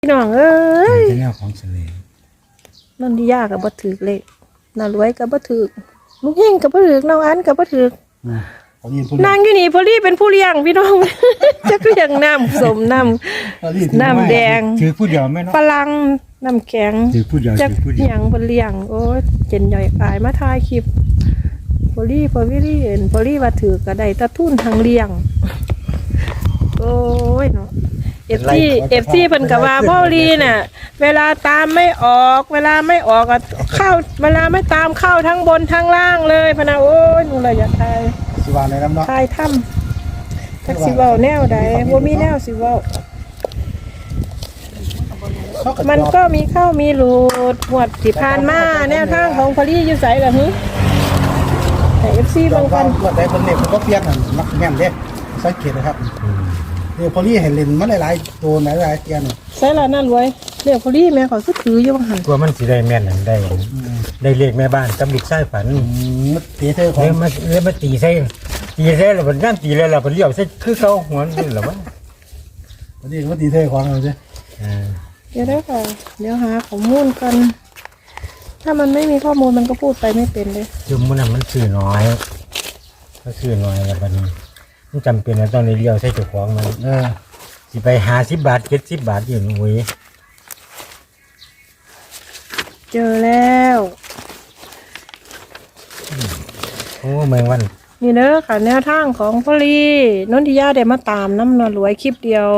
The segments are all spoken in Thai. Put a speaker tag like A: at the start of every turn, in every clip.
A: พี่น้องเอ้ย
B: เป็นแนวของเสน่ห์
A: นั่นที่ยากกับบ่ถือเลขน่ารวยกับบ่ถือลูกเฮงกับบ่ถือน้องอันกับบ่ถือ
B: นา
A: นางอยู่นี่พอลี่เป็นผู้เลี้ยงพี่น้อง จักเลี้ยงน้ำสมน้ำแดง
B: ถือผู้เดียวแม่เนาะ
A: ฝรั่งน้ำแข็ง
B: ถือผู้เดียว
A: จัก
B: ถือผู้เดียว
A: หยังเพิ่นเลี้ยงโอ้เจนย่อยอายมาถ่ายคลิปพอลี่ว่าถือก็ได้ตะทุนทางเลี้ยงโอ้ยเนาะเอฟซีเพิ่นก็ว่าพ่อลีน่ะเวลาตามไม่ออกก็เข้าเวลาไม่ตามเข้าทั้งบนทั้งล่างเลยพะนะโอ้ยหนูเลยอยากทาย
B: สิว่าในน้ำเนาะ
A: ทายถ้ำจักสิเว้าแนวใดบ่มีแนวสิเว้ามันก็มีเข้ามีหลุดหวดที่ผ่านมาแนวทางของพอลีอยู่ไสล่ะฮึให้ FC บางคน
C: ว่าได้คนเล็กมันก็เพี้ยนมักแม่นเด้สังเกตนะครับเนี่ยพอลี่เห็นเล่นมันหลายๆตัวหลายๆเตียน
A: ใส่ละนั่นรวยเรียกพอลีแม่ขอคือถืออยู่บ่หั่น
B: ตัวมันสิได้แม่นนั่นได้เลขแม่บ้านกับลูกชายฝัน
C: มันตีเธอของ
B: เลยมาตีใส่แล้วมันย่ำตีแล้วเราเลี้ยวใส่คือเขาหัวนี่หรอวะ
C: พอลี่มันตีเธอของเราใช่
A: เดี๋ยวได้ค่ะเดี๋ยวหาข้อมูลกันถ้ามันไม่มีข้อมูลมันก็พูดไปไม่เป็นเลย
B: คือมันสื่อน้อยแล้วบัดนี้มันจำเป็นว่าต้องได้เลี้ยวใส่เจ้าของมันสิไป50 บาท70 บาทอยู่หนุ่ย
A: เจอแล้ว
B: โอ้เมืองวัน
A: นี่เด้อค่ะแนวทางของพอลีนนทิยาได้มาตามน้ำนวลรวยคลิปเดียว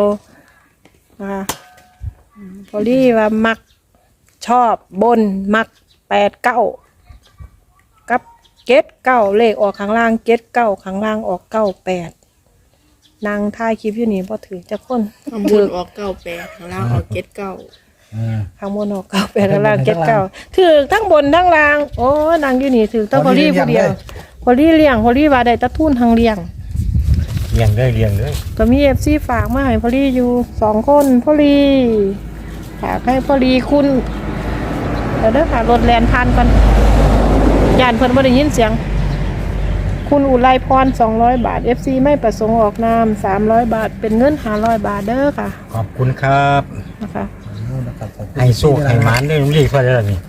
A: พอลีว่ามักชอบบนมัก89กับ79เลขออกข้างล่าง79ข้างล่างออก98นางท้ายคลิปอยู่นี่พอถือจะค้น
D: ข้างบนออก98ข้างล่างออก79
A: ข้างบนออก98ข้างล่าง79ถือทั้งบนทั้งล่างโอ้นางอยู่นี่ถือทั้งพอลีผู้เดียวพอลีเลี้ยงพอลีว่าได้ตะทุนทางเลี้ยง
B: เลี้ยงเลย
A: ก็มีFCฝากมาให้พอลีอยู่2คนพอลีฝากให้พอลีคุณเดี๋ยวเด้อค่ะรถแล่นผ่านก่อนย่านเพิ่นบ่ได้ยินเสียงคุณอุไรพร200 บาท FC ไม่ประสงค์ออกนาม300 บาทเป็นเงิน500 บาทเด้อค่ะ
B: ขอบคุณครับ
A: นะคะ
B: ให้โชคให้หมานได้เรียกว่าอะไรนี่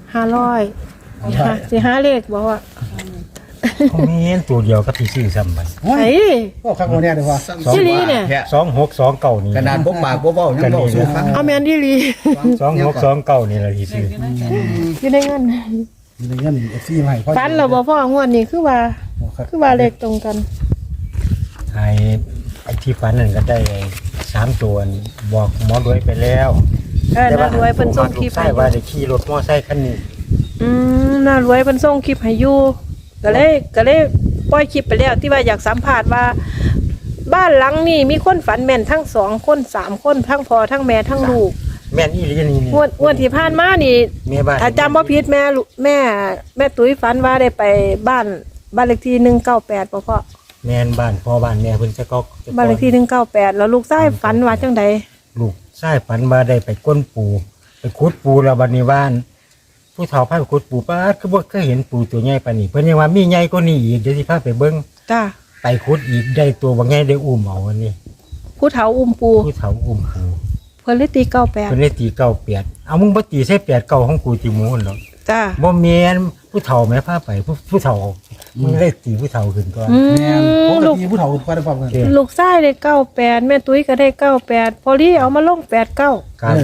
A: 500สิหาเลขบ่ว่า
B: เขามีเห็นตัวเดียวกับที่ซื้อซ้ำไป
A: ไอ้
C: ก็ข้างบนเนี่ยเดี๋ยวว่า
A: ชิลีเนี่ย
B: 2629นี่
C: ขนาดพกปากพกเบ้ายังเบ้าสู้ฟัง
A: เอาแม่นดีหลี
B: 2629นี่ล่ะที่ซื้อ
A: อยู่ในเงิน
C: มีเงินซี่มาให้พ่อ
A: ฟันเราบ่พ่องวดนี้คือว่าเลขตรงกัน
B: ไอ้ที่ฝันนั่นก็ได้3ตัวบอกหมอรวยไปแล้ว
A: น่ารวยเพิ่นส่งคลิป
B: ใช่
A: ให้
B: ว่าได้ขี่รถมอไซค์คันนี้
A: น่ารวยเพิ่นส่งคลิปให้อยู่ก็เลยปล่อยคลิปไปแล้วที่ว่าอยากสัมภาษณ์ว่า บ้านหลังนี้มีคนฝันแม่นทั้ง2คน3คนทั้งพ่อทั้งแม่ทั้งลูก
B: แม่นอีหลีนี่
A: งวดที่ผ่านมานี่
B: แม่บ้าน
A: ถ้าจำบ่ผิดแม่ตุ้ยฝันว่าได้ไปบ้านเลขที่198บ่พ่อ
B: แม่นบ้านพ่อบ้านแม่เพิ่นจะก็
A: บ้านเลขที่198แล้วลูกชายฝันว่าจังใด
B: ลูกชายฝันว่าได้ไปก้นปูไปขุดปูแล้วบัดนี้บ้านผู้เฒ่าพาไปขุดปูป้าคือบ่เคยเห็นปูตัวใหญ่ปานนี้เพิ่นยังว่ามีใหญ่กว่านี้อีกเดี๋ยวสิพาไปเบิ่ง
A: จ้า
B: ไปขุดอีกได้ตัวบ่ใหญ่ได้อุ้มเอาอันนี้
A: ผู้เฒ่าอุ้มปู
B: ผู้เฒ่าอุ้มปู
A: เพิ่นเลยตี
B: เพิ่นได้ตี98เอามึงบ่ตีใส่8 9ของกูติหมูหั่นหรอก
A: 98จ้า
B: บ่แม่นผู้เฒ่าแม่พาไปผู้เฒ่ามึงได้ตีผู้เฒ่าขึ้นก่อน
C: แม่ปกติผู้เฒ่าก็ได้ความกัน
A: ลูกชายได้98แม่ตุ้ยก็ได้98พอลี่เอามาลง89
B: ครับ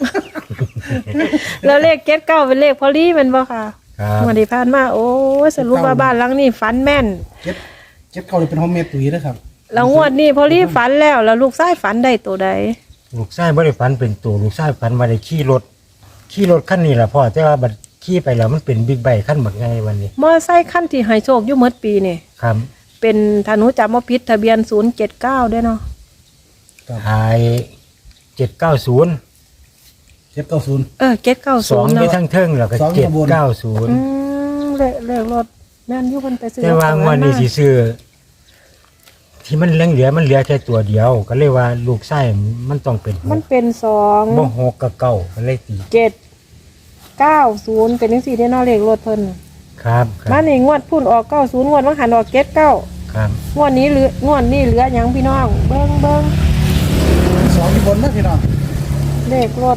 A: แล้วเลข79เป็นเลขพอลี่แม่นบ่ค่ะ
B: ครับ
A: วันที่ผ่านมาโอ้ยสรุปว่าบ้านหลังนี้ฝันแม่น
C: เจ็บเขาเลยเป็นห้องเมตุยนะครับ
A: แล้วงวดนี้พอลี่ฝันแล้วลูกชายฝันได้ตัวใด
B: ลูกชายบ่ได้ฝันเป็นตัวลูกชายฝันว่าได้ขี่รถคันนี้ล่ะพ่อแต่ว่าบัดขี่ไปแล้วมันเป็นบิ๊กไบค์คันบักใหญ่วันนี้
A: มอไซค์คันที่ให้โชคอยู่หมดปีนี่
B: ครับ
A: เป็นถ้าหนูจำบ่ผิดทะเบียน079ด้วยเนาะ
B: หาย790
C: 790
B: 2
A: 790
B: ไป
A: เนาะ
B: ทั้งเทิงแล้วก็
C: สองข้างบน
B: 790
A: เลขรถแม่นอยู่เพิ่นไปซื้อ
B: แต่ว่างวดนี้สิซื้อที่มันเหลือมันเหลือแค่ตัวเดียว ก็เลยว่าลูกชายมันต้องเป็นห
A: มัน
B: ก
A: เป็น2
B: บ่6กับเก้าก็เลยตี
A: 790เป็นจังซี่เด้เนาะเลขรถเพิ่น
B: ครับค
A: มา
B: รับ
A: นี่งวดพุ่นออก90งวดมันหันออก79
B: ครับ
A: งวดนี้เหลืองวดนี้เหลือหยังพี่น้องเบิ่ง
C: 2ที่บนนะพี่น้อง
A: นเลขรถ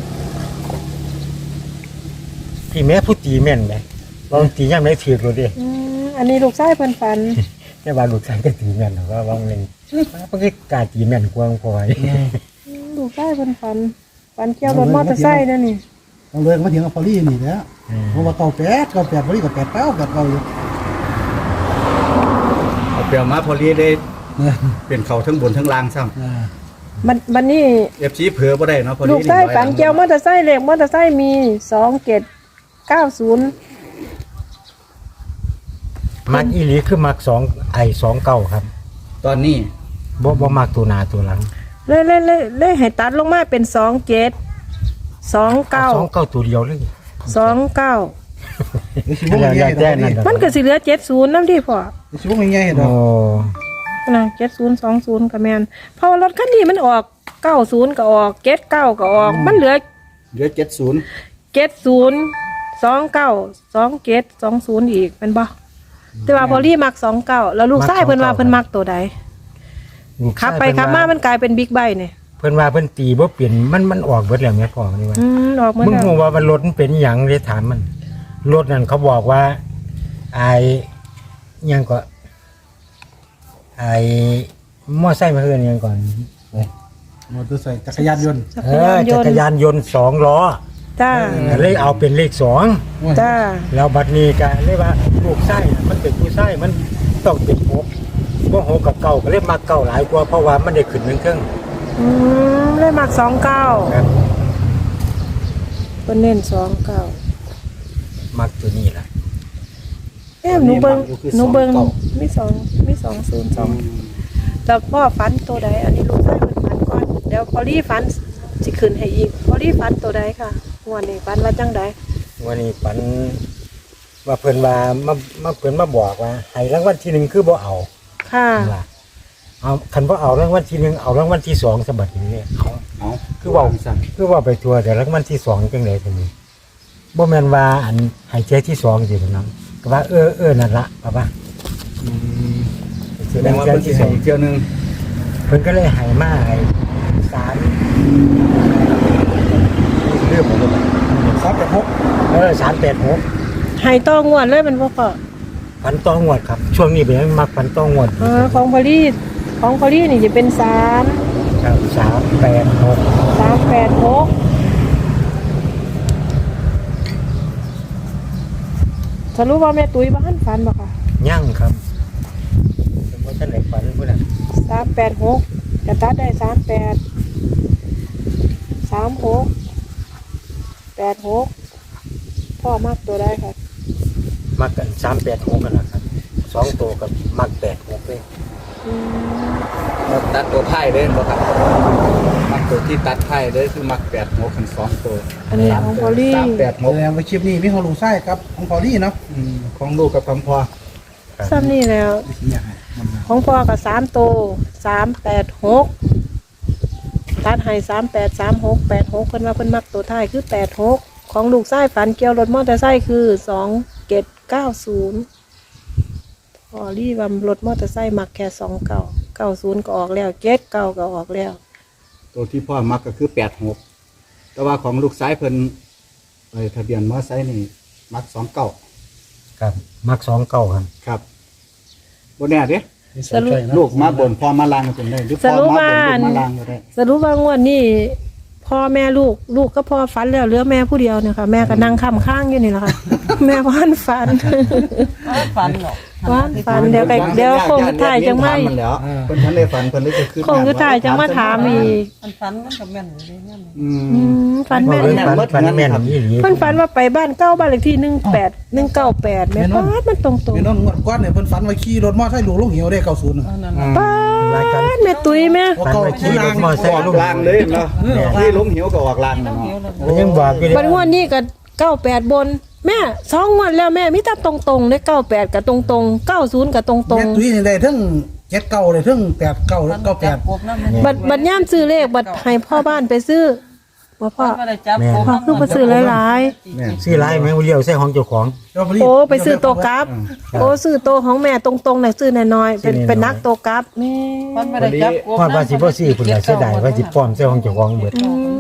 B: พี่แม่ผู้ตีแม่นไหมลองตีย่ำได้ถือรถดิ
A: อันนี้ลูกชายเพิ่นฝัน
B: แค่ว่าลูกชายก็ตีแม่นหรอกว่าว่างหนึ่งมันก็กล้าตีแม่นกวางพอย
A: ลูกชายเพิ่นฝันเกี่ยวรถมอเตอร์ไซค์นั่นนี่
C: ต้องเลิกมาเถียงกับพอลี่นี่แหล้วเพราะว่า98พอลี่กับ89อยู่
E: เอาเปรียวมาพอลีได้เป็นเขาทั้งบนทั้งล่างซ้
A: มันนี่
E: ำเอฟซีเผือบ่ได้เนาะพอลี
A: ลูกชายฝันเกี่ยวมอเตอร์ไซค์เลขมอเตอร์ไซค์มี2790
B: มักอีหลีคือมัก29ครับ
E: ตอนนี้
B: บ่มักตัวหน้าตัวหลัง
A: เลยให้ตัดลงมาเป็น27 29
B: 29ตัวเดียวเลย
A: 29
C: สิบ่ง่ายๆดอก
A: มันก็สิเหลือ70นำที่พ่อ
C: สิบ่ง่ายๆด
B: โอ้
C: อก
A: นะ7020ก็แม่นเพราะว่ารถคันนี้มันออก90ก็ออก79ก็ออกมันเหลือ
E: เหลือ70
A: 70292720อีกเป็นบ่แต่ว่าพอลี่มัก29แล้วลูกชายเพิ่นว่าเพิ่นมักตัวใด
B: ลูกชาย
A: ขับไปขับมามันกลายเป็นบิ๊กไบค์นี่
B: เพิ่นว่าเพิ่นตีบ่เปลี่ยนมันออกเบิดแล้วแม่พ่อนี่ว่า
A: ออกมา
B: มึง
A: แล้ว
B: รู้ว่ามันรถมันเป็นหยังเลยถามมันรถนั่นเขาบอกว่าไอ้หยังก็ไอ้มอไซค์มาเฮือนหยังก่อน
C: มอเตอร์ไซค์จักรยานยนต์
A: จัก
B: เอ
A: รยา
B: อน
A: ย
B: จั
A: น
B: กร
A: ต์
B: ยานยนต์2ล้อ
A: จ้า
B: เลยเอาเป็นเลข2
A: จ้า
B: แล้วบัดนี้ก็เลยว่าลูกไส้มันเป็นผู้ไส้มันต้องเป็น6บ่6กับเก่าก็เลยมาเก่าหลายกว่าเพราะว่ามันได้ขึ้นเครื่อง
A: เลยมัก29
B: ครับ
A: เพิ่นเน้น29
B: มักตัวนี้ล่ะ
A: หนูเบิ่งมี202แล้วพ่อฝันตัวใดอันนี้ลูกชายเพิ่นฝันก่อนเดี๋ยวพอลี่ฝันสิขึ้นให้อีกพอลี่ฝันตัวใดค่ะงวดนี้ฝันว่าจังใด
B: วันนี้ฝันว่าเพิ่นว่ามาเพิ่นมาบอกว่าให้รางวัลที่1คือบ่เอา
A: ค่ะ
B: ว่าเอาคันบ่เอารางวัลที่1เอารางวัลที่2ซะบัดนี้เอา
E: เอา
B: คือเว้า
E: สั่น
B: คือว่าไปทัวร์แต่รางวัลที่2จังได๋ซั่นนี่บ่แม่นว่าอันให้เจที่2สิเพิ่นนำก็ว่านั่นล่ะป่ะ
E: แสดงว่าเพิ่นสิให้อีกเที่ยวหนึง
B: เพิ่นก็เลยให้มาให้3เรื่องของมัน 386
A: ให้ต่องวดเลยมันบ่พอ
B: พันต้องงวดครับ ช่วงนี้เป็นมักพันต้องงวด
A: ของพอลี่นี่จะเป็น3
B: ครับ386
A: สรุปว่าแม่ตุ้ยบ้านฝันบ่ค่ะ
B: ยั่งครับเป็นว่าท่านไหนฝันพุ่นน่ะ
A: 386กระตัดได้38 36 86พ่อมักตัวได้ค่ะ
B: มักกัน386กันนะครับ2ตัวกับมัก86เลย
E: เราตัดตัวไทยเด้บ่ครับมักตัวที่ตัดไทยเด้คือมัก8หัวคัน2ตัว
A: อันนี้ของพอลี่
E: 3 8
C: แสดงว่าคลิปนี้มีของลุงไส้ครับของพอลี่เนาะ
E: ของลูกกับของพ่อ
A: ซ้ำนี่แล้ว
C: สิอยากให้มันมา
A: ของพ่อกับ3ตัว386ตัดให้383686เพิ่นว่าเพิ่นมักตัวท้ายคือ86ของลูกชายฝันเกี่ยวรถมอเตอร์ไซค์คือ2790พอลี่ว่ารถมอเตอร์ไซค์มักแค่2990ก็ออกแล้ว79ก็ออกแล้ว
E: ตัวที่พ่อมักก็คือ86แต่ว่าของลูกซ้ายเพิ่นไปทะเบียนมอไซค์นี่มัก29
B: ครับมัก29ครับ
E: ครับบ่แน่เด้
A: สรุป
E: ลูกมาบนพ่อมาลางก็เป็นได้หรือพ่อมาบนลูกมาลางก็ได้
A: สรุปว่างวดนี้พ่อแม่ลูกก็พ่อฝันแล้วเหลือแม่ผู้เดียวเนี่ยค่ะแม่ก็นั่งค้ำข้างอยู่นี่แหละค่ะ แม่ว่านฝัน
F: ฝันหรอก
A: ว่านฝันเดี๋ยวคงจะถ่ายจังไม่
E: มันแล้วเพิ่นทันได้ฝันเพิ่นเลยจะขึ้น
A: คงจะถ่ายจังมาถามอีก
F: มันฝันมันกับแม่นอยู่ในนั้น
A: ฝันแม่น
B: ฝันแม่นอีหลี
A: เพิ่นฝันว่าไปบ้านเก้าบ้านเลขที่198แม่ป้าดมันตรง
C: แม่นอนงวดก้อนเนี่ยเพิ่นฝันว่าขี่รถมอเตอร์ไซค์หลวงลงเหวได้90น่ะ
F: อันนั้น
A: ๆป้าดแม่ตุ้ยแม่
B: ฝันว่าขี่รถมอไซ
E: อ
B: ค์
E: อก
B: ลง
E: ลางเลยเนาะที่ล้มเหวก็ออกลางเนาะ
B: มันยังบอกอยู่
A: บัดงวดนี้ก็98บนแม่2งวดแล้วแม่มีแต่ตรงๆเลย98กับตรงๆ90กับตรง
C: แม่ตุ้ยนี่ได้ทั้ง79ได้ทั้ง89และ
F: จับ
C: 98
F: กบน้ำ
A: ๆบัดย่ามซื้อเลขบัดให้พ่อบ้านไปซื้อว่าพ่อ
F: ไม่ได้จับกบ
A: พ่อคือไปซื้อหลาย
B: ซื้อหลายแม่เลี้ยวใส่ของเจ้าของ
A: ๆโอ้ไปซื้อตัวกราฟโอ้ซื้อตัวของแม่ตรงๆน่ะซื้อน้อยๆเป็นนักตัวกราฟแม่
F: มันไม่ได้จับกบ
B: พอดว่าสิบ่ซื้อพุ่นล่ะเสียดายว่าสิป้อมใส่ของเจ้าของเบิด
A: ค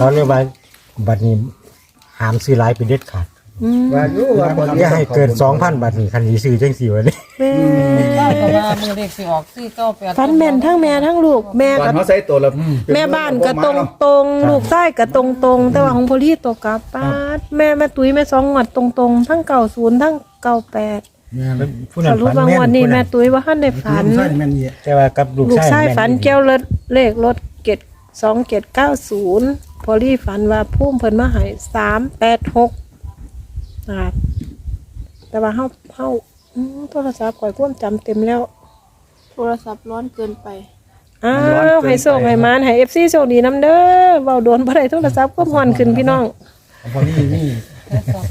B: เขาเรียกว่าบัตรนี้ห้ามซื้อหลายเป็นเด็ดขาด
E: ว่าอยู่ว่าบ่
B: อย่าให้เกิน 2,000 บาทนี่คันสิซื้อจังซี่วะนี่
A: แม่
F: ได้ก็ว่ามือเลขสิออก498
A: ฟันแม่นทั้งแม่ทั้งลูกแม่
E: ก่อน
A: ก็
E: เฮาใส่ตัวละ
A: แม่บ้านก็ตรงตรงๆลูกใต้ก็ตรงตรงๆแต่ว่าของพอลี่ตัวกลับป้าดแม่ตุ้ยแม่สองงวดตรงตรงๆทั้ง90ทั้ง98
C: แม่น
B: ผู้
A: ส
B: นั้น
A: รุป
B: ฝัน
A: ว่า
B: แม่
A: งวด
B: น
A: นี้
B: ผู้
A: แม่
B: นั้น
A: ตุ้ยว่าท่านได้ฝัน
C: ใช่แม่นนี่
B: แต่ว่ากับลูก
A: ลูก
B: ชาย
A: ชาย
B: แม่
A: ฝันเกี่ยวรถเลขรถเกต2790พอลี่ฝันว่าพุ่มเพิ่นมาให้386นะครับแต่ว่าเฮาโทรศัพท์ข่อยความจำเต็มแล้ว
D: โทรศัพท์ร้อนเกินไป
A: อ้าวให้โชคให้มานให้ FC โชคดีนํเด้อเว้าโดนบ่ได้โทรศัพท์ก็ฮ้อนขึ้นพี่น้อง
C: พอลี่นี่